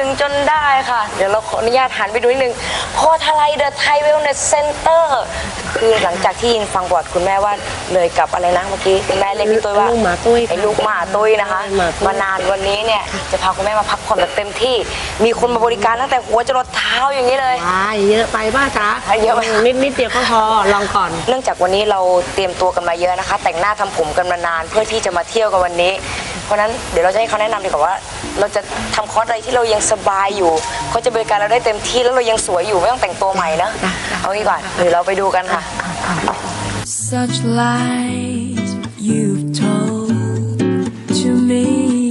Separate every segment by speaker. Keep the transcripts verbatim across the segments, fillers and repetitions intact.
Speaker 1: จนได้ค่ะเดี๋ยวเราขออนุญาตหันไปดูนิดนึงโพธาไลเดอะไทยเวลเนสเซ็นเตอร์คือหลังจากที่ยินฟังบทคุณแม่ว่าเลยกับอะไรนะเมื่อกี้คุณแม่เรียกพี่ตุ้ยว่า
Speaker 2: ลูกหมาตุ้ย
Speaker 1: ไอ้ลูกหมาตุ้ยนะคะมานานวันนี้เนี่ยจะพาคุณแม่มาพักผ่อนแบบเต็มที่มีคนมาบริการตั้งแต่หัวจรดเท้าอย่างนี้เลย
Speaker 2: เยอะไปบ้าจ๊ะ
Speaker 1: เยอะไป
Speaker 2: นิดนิดเดียวก็พอลองก่อน
Speaker 1: เนื่องจากวันนี้เราเตรียมตัวกันมาเยอะนะคะแต่งหน้าทำผมกันมานานเพื่อที่จะมาเที่ยวกันวันนี้เพราะฉะนั้นเดี๋ยวเราจะให้เขาแนะนำดีกว่าว่าเราจะทำคอร์สอะไรที่เรายังสบายอยู่เขาจะบริการเราได้เต็มที่แล้วเรายังสวยอยู่ไม่ต้องแต่งตัวใหม่นะเอางี้ก่อนเดี๋ยวเราไปดูกันค่ะ
Speaker 3: Such lies you've told to me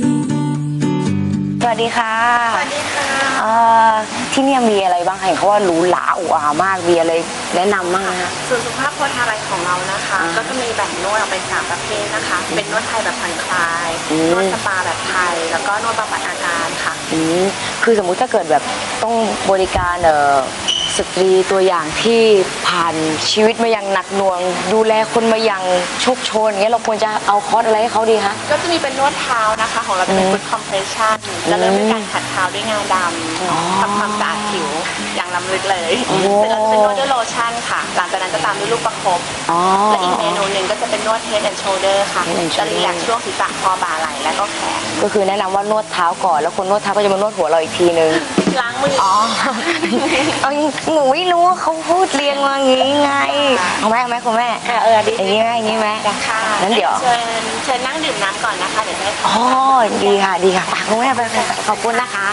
Speaker 1: สวัสดีค่ะสวัสดีค่ะที่นี่มีอะไรบ้างเห็นเขาว่าหรูหราอุอามากมีอะไรแนะนำบ้างนะคะ
Speaker 4: ส่วนสุขภาพโพธาไลของเรานะคะก็จะมีแบ่งนวดออกเป็นสามประเภทนะคะเป็นนวดไทยแบบผ่อนคลายนวดสปาแบบไทยแล้วก็นวดบำบัดอาการค่ะ
Speaker 1: คือสมมุติถ้าเกิดแบบต้องบริการเอ่อสตรีตัวอย่างที่ผ่านชีวิตมาอย่างหนักหน่วงดูแลคนมาอย่างโชคโชนอย่างเงี้ยเราควรจะเอาคอร์สอะไรให้เขาดีคะ
Speaker 4: ก็จะมีเป็นนวดเท้านะคะของเราจะเป็นฟุตคอมเพรสชั่นแล้วเริ่มด้วยการขัดเท้าด้วยงาดำทำความสะอาดผิวอย่างล้ำลึกเลยเสร็จแล้วจะเป็นนวดด้วยโลชั่นค่ะหลังจากนั้นจะตามด้วยลูกประคบและอีกเมนูหนึ่งก็จะเป็นนวด Head and Shoulder ค่ะจะรีแลกซ์ช่วงศีรษะคอบ่าไหล่และก็แขน
Speaker 1: ก็คือแนะนำว่านวดเท้าก่อนแล้วคนนวดเท้าก็จะมานวดหัวเราอีกทีนึง
Speaker 4: ล้างมือ
Speaker 1: อ๋อเอาหนูไม่รู้ว่าเขาพูดเรียงมาอย่างนี้ไงเอาไหมเอาไหมคุณแม่
Speaker 4: เออดี
Speaker 1: อย่างนี้ไหมอย่างนี้ไหม
Speaker 4: ค่ะ
Speaker 1: งั้นเดี๋ยว
Speaker 4: เชิญเชิญนั่งดื่มน้ำก่อนนะคะเดี๋ยวให้
Speaker 1: อ๋อดีค่ะดีค่ะคุณแม่ไปขอบคุณนะคะ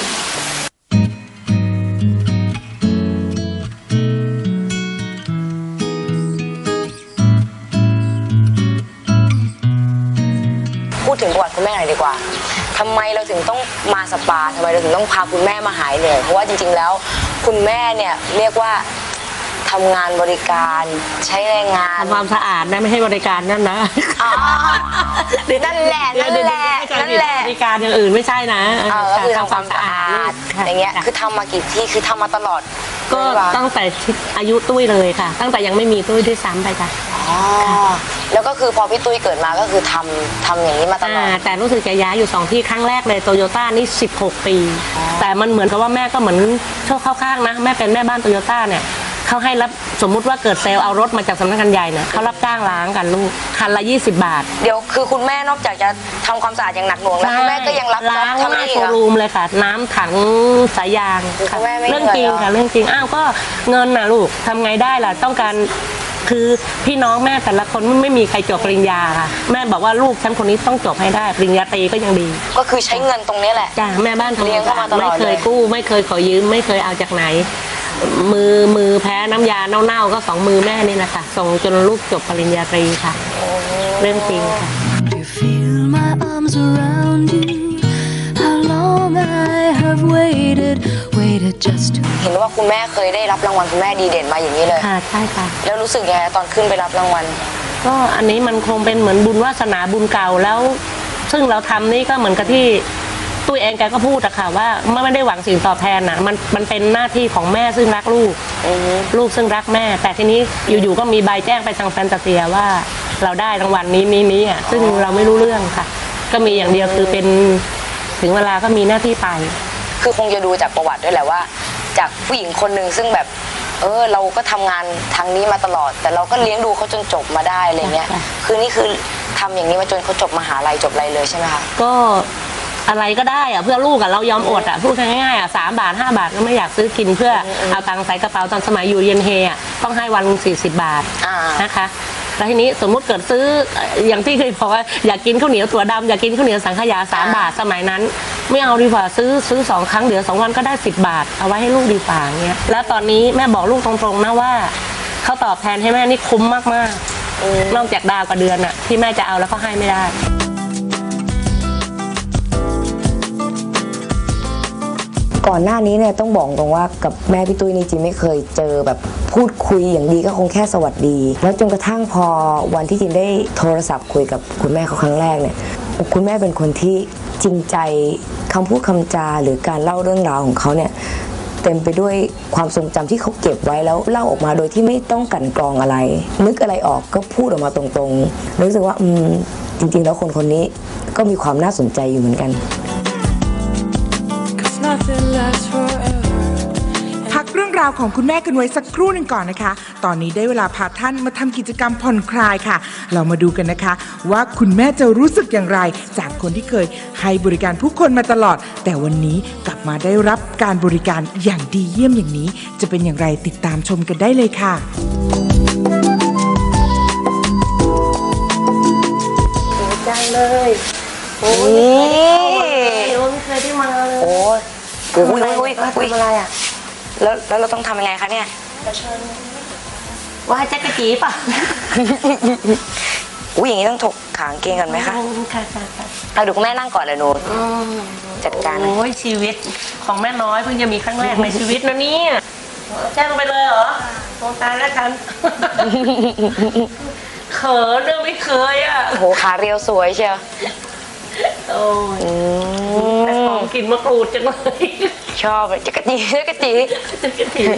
Speaker 1: พูดถึงประวัติคุณแม่หน่อยดีกว่าทำไมเราถึงต้องมาสปาทำไมเราถึงต้องพาคุณแม่มาหายเหนื่อยเพราะว่าจริงๆแล้วคุณแม่เนี่ยเรียกว่าทำงานบริการใช้แรงงาน
Speaker 2: ทำความสะอาดนะไม่ให้บริการนั่นนะ
Speaker 1: นั่นแหละนั่นแหละนั่นแหละ
Speaker 2: บริการอย่างอื่นไม่ใช่นะ
Speaker 1: ก็คือทำความสะอาดอย่างเงี้ยคือทำมากี่ที่คือทำมาตลอด
Speaker 2: ก็ตั้งแต่อายุตุ้ยเลยค่ะตั้งแต่ยังไม่มีตุ้ยด้วยซ้ำไปค่ะ
Speaker 1: อ๋อแล้วก็คือพอพี่ตุ้ยเกิดมาก็คือทำทำอย่างนี้มาตลอด
Speaker 2: แต่รู้สึกจะย้ายอยู่สองที่ครั้งแรกเลยโตโยต้านี่สิบหกปีแต่มันเหมือนกับว่าแม่ก็เหมือนโชคเข้าข้างนะแม่เป็นแม่บ้านโตโยต้าเนี่ยเขาให้รับสมมุติว่าเกิดเซลล์เอารถมาจากสำนักงานใหญ่เนี่ยเขารับจ้างล้างกันลูกคันละยี่สิบบาท
Speaker 1: เดี๋ยวคือคุณแม่นอกจากจะทำความสะอาดอย่างหนักหน่วงแล้วคุณแม่ก็ยังรับ
Speaker 2: ล้างหน้าโชว์รูมเลยค่ะน้ำถังสายยางเรื่องจริงค่ะเรื่องจริงอ้าวก็เงินน่ะลูกทำไงได้ล่ะต้องการคือพี่น้องแม่แต่ละคนไม่มีใครจบปริญญาค่ะแม่บอกว่าลูกฉันคนนี้ต้องจบให้ได้ปริญญาตรีก็ยังดี
Speaker 1: ก็คือใช้เงินตรงนี้แหละ
Speaker 2: จ้ะแม่บ้านทำงานไม่เคยกู้ไม่เคยขอยืมไม่เคยเอาจากไหนมือมือแพ้น้ำยาเน่าๆก็สองมือแม่นี่นะคะส่งจนลูกจบปริญญาตรีค่ะเรื่องจริงค่ะ
Speaker 1: เห็นว่าคุณแม่เคยได้รับรางวัลคุณแม่ดีเด่นมาอย่างนี้เลย
Speaker 2: ค่ะใช่ค่ะ
Speaker 1: แล้วรู้สึกยังไงตอนขึ้นไปรับรางวัล
Speaker 2: ก็อันนี้มันคงเป็นเหมือนบุญวาสนาบุญเก่าแล้วซึ่งเราทำนี่ก็เหมือนกับที่ตุ้ยเองแกก็พูดอะค่ะว่าไม่ได้หวังสิ่งตอบแทนนะมันมันเป็นหน้าที่ของแม่ซึ่งรักลูกลูกซึ่งรักแม่แต่ทีนี้อยู่ๆก็มีใบแจ้งไปทางแฟนตาเซียว่าเราได้รางวัลนี้นี้นี้อะซึ่งเราไม่รู้เรื่องค่ะก็มีอย่างเดียวคือเป็นถึงเวลาก็มีหน้าที่ไป
Speaker 1: คือคงจะดูจากประวัติด้วยแหละว่าจากผู้หญิงคนหนึ่งซึ่งแบบเออเราก็ทำงานทางนี้มาตลอดแต่เราก็เลี้ยงดูเขาจนจบมาได้อะไรเงี้ยคือนี่คือทำอย่างนี้มาจนเขาจบมหาลัยจบอะไรเลยใช่ไหมคะ
Speaker 2: ก็อะไรก็ได้อะเพื่อลูกอะเรายอมอดอะพูดง่ายๆอะสามบาทห้าบาทก็ไม่อยากซื้อกินเพื่อเอาตังค์ใส่กระเป๋าตอนสมัยอยู่เรียนเฮอะต้องให้วันสี่สิบบาทนะคะแล้วทีนี้สมมุติเกิดซื้ออย่างที่เคยบอกว่าอยากกินข้าวเหนียวตัวดำอยากกินข้าวเหนียวสังขยาสามบาทสมัยนั้นไม่เอาดีกว่าซื้อซื้อสองครั้งเดี๋ยวสองวันก็ได้สิบบาทเอาไว้ให้ลูกดีกว่าเงี้ยแล้วตอนนี้แม่บอกลูกตรงๆนะว่าเขาตอบแทนให้แม่นี่คุ้มมากๆนอกจากดาวกับเดือนอะที่แม่จะเอาแล้วก็ให้ไม่ได้
Speaker 1: ก่อนหน้านี้เนี่ยต้องบอกตรงว่ากับแม่พี่ตุ้ยนี่จริงไม่เคยเจอแบบพูดคุยอย่างดีก็คงแค่สวัสดีแล้วจนกระทั่งพอวันที่จินได้โทรศัพท์คุยกับคุณแม่เขาครั้งแรกเนี่ยคุณแม่เป็นคนที่จริงใจคำพูดคำจาหรือการเล่าเรื่องราวของเขาเนี่ยเต็มไปด้วยความทรงจำที่เขาเก็บไว้แล้วเล่าออกมาโดยที่ไม่ต้องกั่นกรองอะไรนึกอะไรออกก็พูดออกมาตรงๆรู้สึกว่าอืมจริงๆแล้วคนคนนี้ก็มีความน่าสนใจอยู่เหมือนกัน
Speaker 3: nothing lasts forever.
Speaker 5: พักเรื่องราวของคุณแม่กันไว้สักครู่หนึ่งก่อนนะคะ ตอนนี้ได้เวลาพาท่านมาทำกิจกรรมผ่อนคลายค่ะ เรามาดูกันนะคะ ว่าคุณแม่จะรู้สึกอย่างไร จากคนที่เคยให้บริการผู้คนมาตลอด แต่วันนี้กลับมาได้รับการบริการอย่างดีเยี่ยมอย่างนี้ จะเป็นอย่างไรติดตามชมกันได้เลยค่ะ
Speaker 2: จังเลยโอ้ย
Speaker 1: นี่
Speaker 2: ไม่เคยได้มาเลย
Speaker 1: โอ้ยอุ้ยอุ้ยอุ้ยอะไรอ่ะแล้วแล้วเราต้องทำยังไงคะเนี่ย
Speaker 2: ว่าแจ๊กกะจีป่ะ
Speaker 1: อุ้ยอย่างนี้ต้องถกขางเกงกันไหมคะ
Speaker 2: ค่ะค่ะค่ะ
Speaker 1: เอาดูคุณแม่นั่งก่อนเลยหนูจัดการ
Speaker 2: โอ้ยชีวิตของแม่น้อยเพิ่งจะมีครั้งแรกในชีวิตนะเนี่ยแจ้งไปเลยเหรอโงตายแล้วกันเขินเรื่องไม่เคยอ่ะ
Speaker 1: โอ้โหขาเรียวสวยเชียว
Speaker 2: โอ้ยแต่ของกินมะกรูดจังเลย
Speaker 1: ชอบเลยจักรจีจักรจี
Speaker 2: จักรจี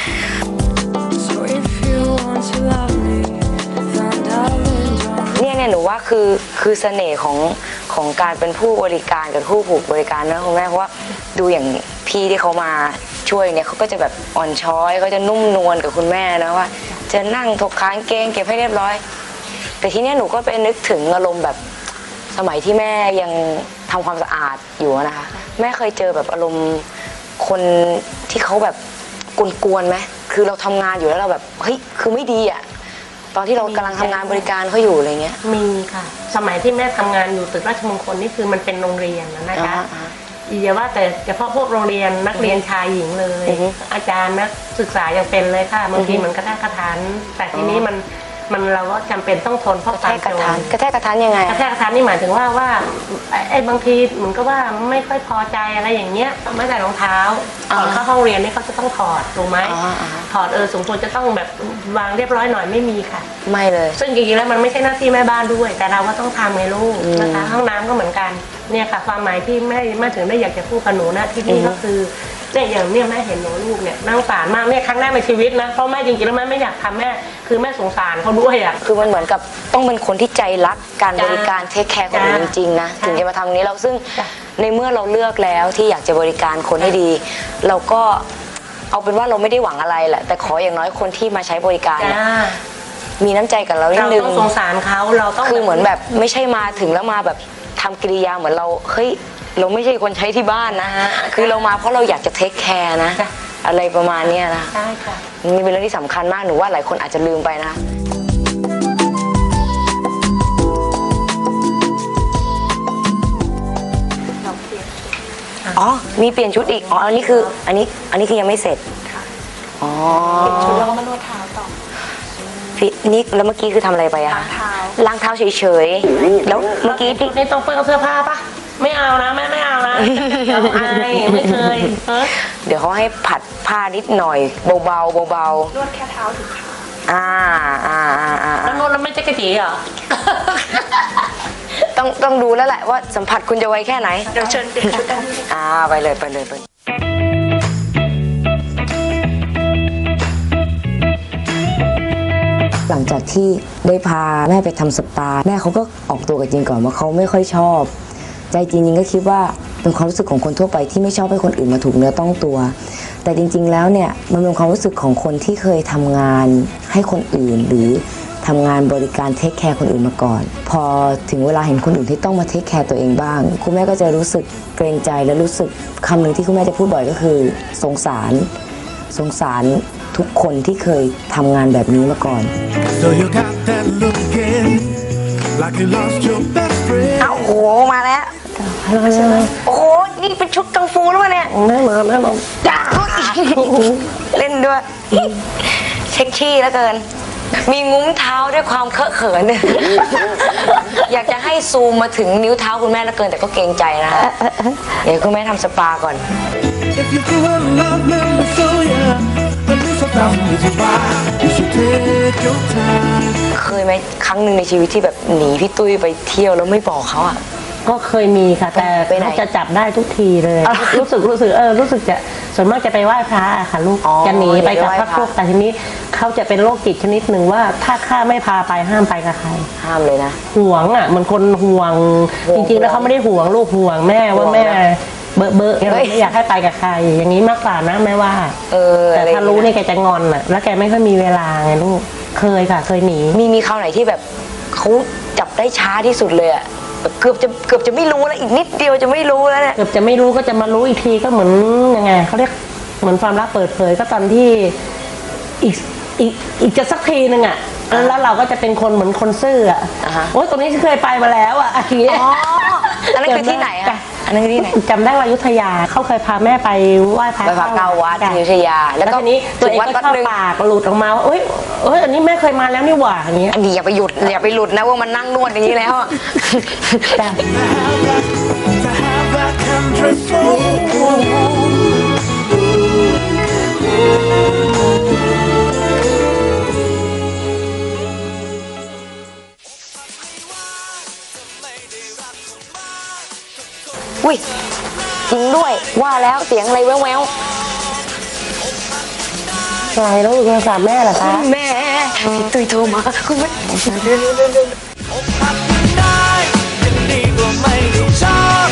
Speaker 3: So if you want to love me, then darling, don't.
Speaker 1: เนี่ยเนี่ยหนูว่าคือคือเสน่ห์ของของการเป็นผู้บริการกับผู้ผูกบริการนะคุณแม่เพราะว่าดูอย่างพี่ที่เขามาช่วยเนี่ยเขาก็จะแบบอ่อนช้อยเขาจะนุ่มนวลกับคุณแม่นะว่า จะนั่งถกขางเกงเก็บให้เรียบร้อย แต่ทีเนี้ยหนูก็ไปนึกถึงอารมณ์แบบสมัยที่แม่ยังทำความสะอาดอยู่นะคะแม่เคยเจอแบบอารมณ์คนที่เขาแบบกวนๆไหมคือเราทำงานอยู่แล้วเราแบบเฮ้ยคือไม่ดีอ่ะตอนที่เรากำลังทำงานบริการเขาอยู่อะไรเงี้ย
Speaker 2: มีค่ะ สมัยที่แม่ทำงานอยู่ตึกราชมงคลนี่คือมันเป็นโรงเรียนนะนะคะ
Speaker 1: อ่า
Speaker 2: อย่าว่าแต่เฉพาะพวกโรงเรียนนักเรียนชายหญิงเลย
Speaker 1: อือฮึ
Speaker 2: อาจารย์นักศึกษายังเป็นเลยค่ะบางทีมันกระแทกกระทันแต่ทีนี้มันมันเราก็จำเป็นต้องทนเพราะ
Speaker 1: กระแทกกระทันกระแทกกระทันยังไง
Speaker 2: กระแทกกระทันนี่หมายถึงว่าว่าไอ้ไอ้บางทีเหมือนก็ว่าไม่ค่อยพอใจอะไรอย่างเงี้ยไม่ใส่รองเท้าก่อนเข้าห้องเรียนนี่เขาจะต้องถอดถูกไหม
Speaker 1: อ๋ออ๋อ
Speaker 2: ถอดเออสมควรจะต้องแบบวางเรียบร้อยหน่อยไม่มีค่ะ
Speaker 1: ไม่เลย
Speaker 2: ซึ่งจริงๆแล้วมันไม่ใช่หน้าที่แม่บ้านด้วย แต่เราก็ต้องทำไงลูกนะคะห้องน้ำก็เหมือนกันเนี่ยค่ะความหมายที่แม่แม่ถึงได้อยากจะพูดกับหนูนะที่นี่ก็คือเนี่ยอย่างเนี่ยแม่เห็นหนูลูกเนี่ยน่าสงสารมากเนี่ยครั้งแรกในชีวิตนะเพราะแม่จริงๆแล้วแม่ไม่อยากทำแม่คือแม่สงสารเขาด้วยอ่ะ
Speaker 1: คือมันเหมือนกับต้องเป็นคนที่ใจรักการบริการเทคแคร์คนอื่นจ
Speaker 2: จ้ะ
Speaker 1: ริงๆนะ
Speaker 2: จ้ะ
Speaker 1: ถึงจะมาทำตรงนี้เราซึ่ง
Speaker 2: จ้ะ
Speaker 1: ในเมื่อเราเลือกแล้วที่อยากจะบริการคนให้ดี เราก็เอาเป็นว่าเราไม่ได้หวังอะไรแหละ แต่ขออย่างน้อยคนที่มาใช้บริการ
Speaker 2: จ้า
Speaker 1: เนี่ยมีน้ำใจกับเรานิด
Speaker 2: เรา
Speaker 1: นึง
Speaker 2: ต้องสงสารเขาเราต้อง
Speaker 1: คือเหมือนแบบไม่ใช่มาถึงแล้วมาแบบทำกิริยาเหมือนเราเฮ้ยเราไม่ใช่คนใช้ที่บ้านนะ คือเรามาเพราะเราอยากจะเทคแคร์นะ
Speaker 2: จ้ะ
Speaker 1: อะไรประมาณเนี้ยนะ
Speaker 2: ใช่ค่ะ
Speaker 1: นี่เป็นเรื่องที่สำคัญมากหนูว่าหลายคนอาจจะลืมไปนะ อ๋อ มีเปลี่ยนชุดอีก อ๋อ อันนี้คือ อันนี้ อันนี้คือยังไม่เสร็จ อ๋อ
Speaker 4: ชุดแล้วก็มานวดเท้าต่อ
Speaker 1: พี่นี่แล้วเมื่อกี้คือทำอะไรไปอะคะ
Speaker 4: ล้างเท้า
Speaker 1: ล้างเท้าเฉยๆ แล้วเมื่อกี้ที่
Speaker 2: นี่ต้องเปื้อนเสื้อผ้าปะไม่เอานะแม่ไม่เอานะเราอายไม่เคยเออ
Speaker 1: เดี๋ยวเขาให้ผัดผ้านิดหน่อย เบาๆ เบา
Speaker 4: นวดแค่เท้าถึงขา
Speaker 1: ๆ อ่า อ่า อ่า อ่า
Speaker 2: แล้วนวดแล้วไม่จะกระจีเหรอ
Speaker 1: ต้อง ต้องดูแล้วแหละว่าสัมผัสคุณจะไวแค่ไหน
Speaker 4: เดี๋ยวเชิญเปลี่ยนชุดได้เลย
Speaker 1: อ่า ไปเลย ไปเลย ไปเลย หลังจากที่ได้พาแม่ไปทำสปาแม่เขาก็ออกตัวกับจินก่อนว่าเขาไม่ค่อยชอบ ใจจริงๆก็คิดว่าเป็นความรู้สึกของคนทั่วไปที่ไม่ชอบให้คนอื่นมาถูกเนื้อต้องตัว แต่จริงๆแล้วเนี่ยมันเป็นความรู้สึกของคนที่เคยทำงานให้คนอื่นหรือทำงานบริการเทคแคร์คนอื่นมาก่อน พอถึงเวลาเห็นคนอื่นที่ต้องมาเทคแคร์ตัวเองบ้างคุณแม่ก็จะรู้สึกเกรงใจและรู้สึกคำหนึ่งที่คุณแม่จะพูดบ่อยก็คือสงสารสงสารทุกคนที่เคยทำงานแบบนี้มาก่อน
Speaker 6: So you got that look again, like you lost your best friend.
Speaker 1: อ้าวโอ้โหมาแล้วโอ้โหนี่เป็นชุดกังฟูแล้ววะเนี่ย
Speaker 2: แม่มาแม่มา
Speaker 1: จ้าเล่นด้วยเซ็กชี่แล้วเกิน มีงุ้มเท้าด้วยความเคอะเขิน อยากจะให้ซูมมาถึงนิ้วเท้าคุณแม่แล้วเกินแต่ก็เกรงใจนะเดี๋ยวคุณแม่ทำสปาก่อน
Speaker 6: If you feel love never show ya, at least a thousand reasons why you should take your time.
Speaker 1: เคยไหมครั้งหนึ่งในชีวิตที่แบบหนีพี่ตุ้ยไปเที่ยวแล้วไม่บอกเขาอ่ะ
Speaker 2: ก็เคยมีค่ะแต่
Speaker 1: ไปไหน
Speaker 2: เขาจะจับได้ทุกทีเลย
Speaker 1: อ้าว
Speaker 2: รู้สึกรู้สึกเออรู้สึกจะส่วนมากจะไปไหว้พระอะค่ะลูก
Speaker 1: อ๋อ
Speaker 2: จะหนีไปกับ
Speaker 1: ไปไหว้
Speaker 2: พระ
Speaker 1: พระ
Speaker 2: พวกแต่ทีนี้เขาจะเป็นโรคจิตชนิดหนึ่งว่าถ้าข้าไม่พาไปห้ามไปกับใคร
Speaker 1: ห้ามเลยนะ
Speaker 2: ห่วงอ่ะเหมือนคนห่วง
Speaker 1: ห่วง
Speaker 2: จริงๆแล้วเขาไม่ได้ห่วงลูกห่วงแม่ว่า
Speaker 1: ห่วง
Speaker 2: แม่
Speaker 1: นะ
Speaker 2: เบอะเบอะเนี่ยไม่อยากให้ไปกับใครอย่างนี้มากกว่านะแม่ว่า
Speaker 1: เออ
Speaker 2: แต่
Speaker 1: อะไร
Speaker 2: ถ้ารู้เนี่ยแกจะงอนอ่ะแล้วแกไม่ค่อยมีเวลาไงลูกเคยค่ะเคยหนี
Speaker 1: มีมีคราวไหนที่แบบเขาจับได้ช้าที่สุดเลยอะแบบเกือบจะเกือบจะไม่รู้แล้วอีกนิดเดียวจะไม่รู้แล้วเนี่ย
Speaker 2: เกือบจะไม่รู้ก็จะมารู้อีกทีก็เหมือนยังไงเขาเรียกเหมือนความลับเปิดเผยก็ตอนที่อีกอีกอีกจะสักทีนึงอ่ะแล้วเราก็จะเป็นคนเหมือนคนซื่ออ่ะ
Speaker 1: อ่าฮะ
Speaker 2: โอ๊ยตรงนี้เคยไปมาแล้วอ่ะอันนี้
Speaker 1: อ๋ออันนั้นคือที่ไหนอะอันนั้นคือที่ไหน
Speaker 2: จำได้ว่าอยุธยาเขาเคยพาแม่ไปไหว้พระ
Speaker 1: ไปพระเก้าวัดที่อยุธยาแล้
Speaker 2: แล้ว ว
Speaker 1: ก็
Speaker 2: ทีนี้ตัวเอง
Speaker 1: วัด
Speaker 2: ก็
Speaker 1: วัด
Speaker 2: เข้า
Speaker 1: หนึ่ง
Speaker 2: ปากหลุดออกมาว่าเอ้ยเอ้ยอันนี้แม่เคยมาแล้วนี่หว่าอย่างเงี้ย
Speaker 1: อันนี้อย่าไปหยุดอย่าไปหลุดนะว่ามันนั่งนวดอย่างนี้แล้วอะ
Speaker 2: จ้ะ
Speaker 6: To have that country soul.
Speaker 1: อุ้ยจริงด้วยว่าแล้วเสียงอะไรแววแวว
Speaker 2: อะไรแล้วโทรศัพท์แม่เหรอคะ
Speaker 1: แม่พี่ตุ้ยโทรมาคุณแม่
Speaker 6: อกหักได้ยังดีกว่าไม่ได้ชอบ